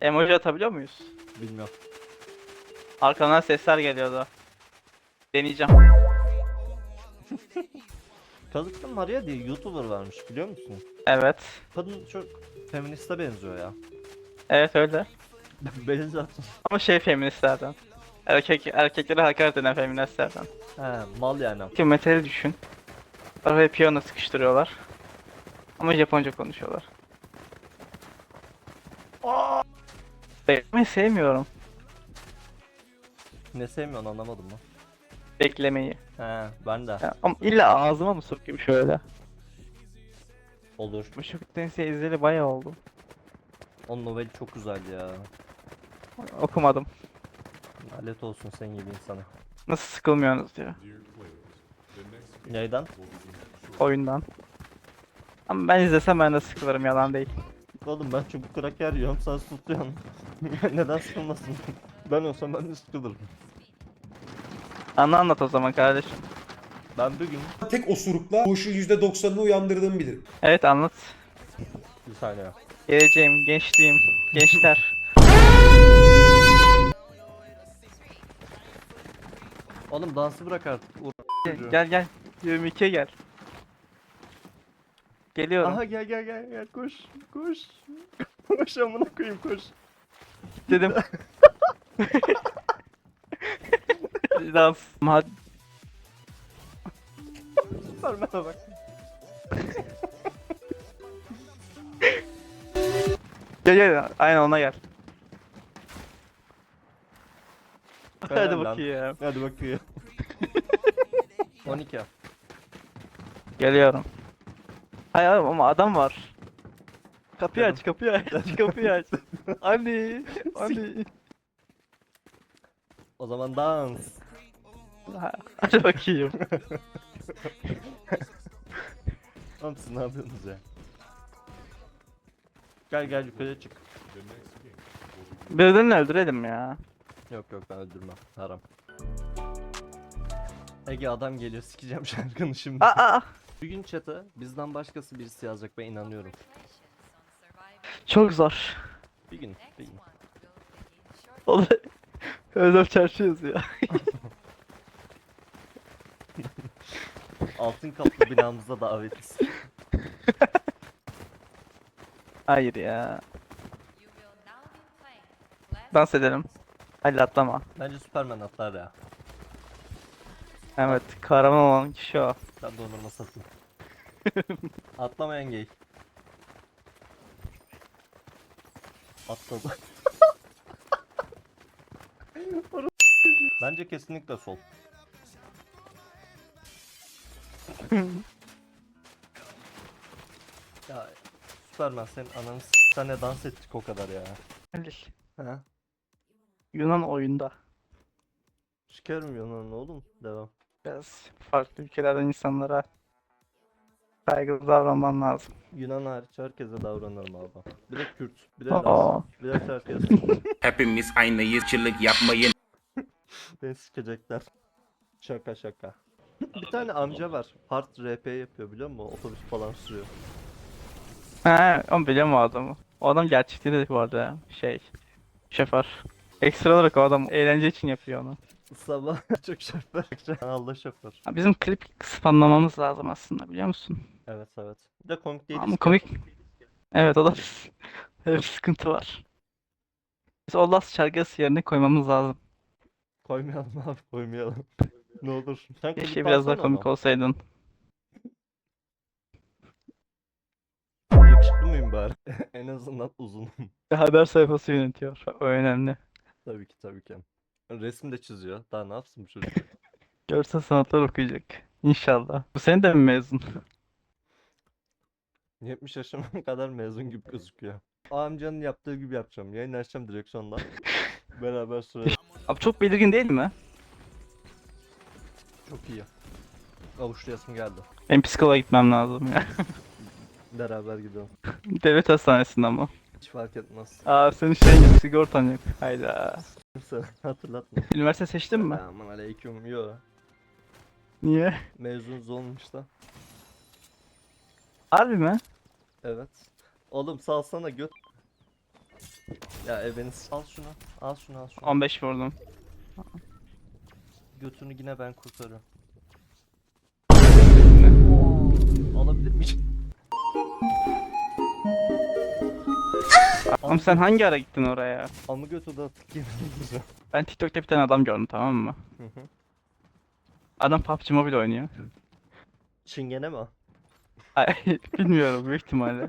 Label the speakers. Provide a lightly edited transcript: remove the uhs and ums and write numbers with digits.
Speaker 1: Emoji atabiliyor muyuz?
Speaker 2: Bilmiyorum.
Speaker 1: Arkamdan sesler geliyordu. Deneyeceğim.
Speaker 2: Kalıplı Maria diye YouTuber varmış biliyor musun?
Speaker 1: Evet.
Speaker 2: Kadın çok feministe benziyor ya.
Speaker 1: Evet öyle.
Speaker 2: Beni zaten.
Speaker 1: Ama şey feministlerden. Erkeklere hakaret eden feministlerden.
Speaker 2: He mal yani.
Speaker 1: Ki metali düşün. Araya piyano sıkıştırıyorlar. Ama Japonca konuşuyorlar. Beklemeyi sevmiyorum.
Speaker 2: Ne sevmiyorsun anlamadım mı?
Speaker 1: Beklemeyi.
Speaker 2: He ben de.
Speaker 1: Ya, ama illa ağzıma mı sokayım şöyle?
Speaker 2: Olur.
Speaker 1: Bu Şokit Tensei izleyeli bayağı oldu.
Speaker 2: O noveli çok güzel ya.
Speaker 1: Okumadım.
Speaker 2: Lanet olsun senin gibi insana.
Speaker 1: Nasıl sıkılmıyorsunuz diyor.
Speaker 2: Neyden?
Speaker 1: Oyundan. Ama ben izlesem ben de sıkılırım, yalan değil.
Speaker 2: Oğlum ben çubuk kraker yiyorum sen tutuyorsun. Neden sıkılmasın? Ben olsam ben de sıkılırım.
Speaker 1: Anlat o zaman kardeşim.
Speaker 2: Ben bugün
Speaker 3: Tek osurukla koşu %90'ını uyandırdığımı bilirim.
Speaker 1: Evet anlat.
Speaker 2: bir saniye.
Speaker 1: Geleceğim, gençliğim, gençler.
Speaker 2: Oğlum dansı bırak artık.
Speaker 1: Gel gel. 22'ye gel. Geliyorum.
Speaker 2: Aha gel koş koş. Koş amına koyayım koş.
Speaker 1: Dedim. Dans. Hadi.
Speaker 2: Süpermen'e bak.
Speaker 1: Gel gel. Aynen ona gel. Hadi
Speaker 2: Helal lan.
Speaker 1: bakayım.
Speaker 2: Hadi bakayım. 12.
Speaker 1: Geliyorum. Hayır ama adam var. Kapıyı
Speaker 2: Dedim.
Speaker 1: aç, kapıyı aç, kapıyı aç. Anne, anne.
Speaker 2: O zaman dans.
Speaker 1: Hadi bakayım.
Speaker 2: Oğlum siz ne yapıyorsunuz ya? Gel yukarıya çık.
Speaker 1: Birini öldürelim ya.
Speaker 2: Yok ben öldürmem. Haram. Ege adam geliyor sikeceğim şarkını şimdi.
Speaker 1: Aa,
Speaker 2: Bugün chat'e bizden başkası birisi yazacak ben inanıyorum.
Speaker 1: çok zor.
Speaker 2: Bir gün.
Speaker 1: O da Özlem Çarşı yazıyor.
Speaker 2: Altın kaplı binamıza davetiz.
Speaker 1: Hayır ya. Dans edelim. Hadi atlama.
Speaker 2: Bence Superman atlar ya.
Speaker 1: Evet, kahraman olan kişi o.
Speaker 2: Ben de onuruma satayım. Atlamayan gay. Atladı. Bence kesinlikle sol. Ya Superman senin ananı senle dans ettik o kadar ya.
Speaker 1: Halil.
Speaker 2: He?
Speaker 1: Yunan oyunda.
Speaker 2: Şikerim Yunan'ın oğlum. Devam.
Speaker 1: Biraz farklı ülkelerden insanlara saygılı davranman lazım.
Speaker 2: Yunan hariç herkese davranırım abi. Bir de Kürt, bir de
Speaker 1: Aa.
Speaker 2: Laz, bir de Çerkez.
Speaker 4: Hepimiz aynıyız, çılık yapmayın.
Speaker 2: Beni sikecekler. Şaka. Bir tane amca var. Hard RP yapıyor biliyor musun? Otobüs falan sürüyor.
Speaker 1: He, onu biliyorum o adamı. O adam gerçekten de bu arada şoför. Ekstra olarak o adam eğlence için yapıyor onu.
Speaker 2: Sabah çok şoför. Allah şoför.
Speaker 1: Ha, bizim klip spamlamamız lazım aslında, biliyor musun?
Speaker 2: Evet. Bir de komik değiliz
Speaker 1: Ama
Speaker 2: ki.
Speaker 1: komik. Evet, o da öyle bir sıkıntı var. Biz o Last şarkısı yerine koymamız lazım.
Speaker 2: Koymayalım abi koymayalım. Ne olur. Sen
Speaker 1: Keşke
Speaker 2: klip
Speaker 1: biraz daha
Speaker 2: alsana
Speaker 1: komik
Speaker 2: onu.
Speaker 1: olsaydın.
Speaker 2: Yakışıklı mıyım bari? En azından uzun.
Speaker 1: Bir haber sayfası yönetiyor. O önemli.
Speaker 2: Tabii ki. Resim de çiziyor. Daha ne yapsın bu çocuk?
Speaker 1: Görsel sanatlar okuyacak. İnşallah. Bu sene de mi mezun?
Speaker 2: 70 yaşıma kadar mezun gibi gözüküyor. O amcanın yaptığı gibi yapacağım. Yayın açacağım direksiyondan. Beraber sürelim.
Speaker 1: Abi çok belirgin değil mi?
Speaker 2: Çok iyi. Avuçlayasım geldi.
Speaker 1: Benim psikoloğa gitmem lazım ya.
Speaker 2: Beraber gidelim.
Speaker 1: Devlet hastanesinde ama.
Speaker 2: Hiç fark etmez.
Speaker 1: Aa, senin şeyin yok, sigortan yok. Hayda.
Speaker 2: Kimse hatırlatma.
Speaker 1: Üniversite seçtin mi?
Speaker 2: Aman aleyküm. Yo.
Speaker 1: Niye?
Speaker 2: Mezunuz olmuş da.
Speaker 1: Harbi mi?
Speaker 2: Evet. Oğlum salsana göt. Ya eveniz. Al şunu. Al şunu al şunu.
Speaker 1: 15 vurdum.
Speaker 2: Götünü yine ben kurtarıyorum.
Speaker 1: Ne?
Speaker 2: Alabilir miyim?
Speaker 1: Oğlum sen hangi ara gittin oraya?
Speaker 2: Amı götü de attık yemin ederim.
Speaker 1: Ben TikTok'ta bir tane adam gördüm, tamam mı?
Speaker 2: Hı hı.
Speaker 1: Adam PUBG Mobile oynuyor.
Speaker 2: Çingene mi o?
Speaker 1: Ay, bilmiyorum, büyük ihtimalle.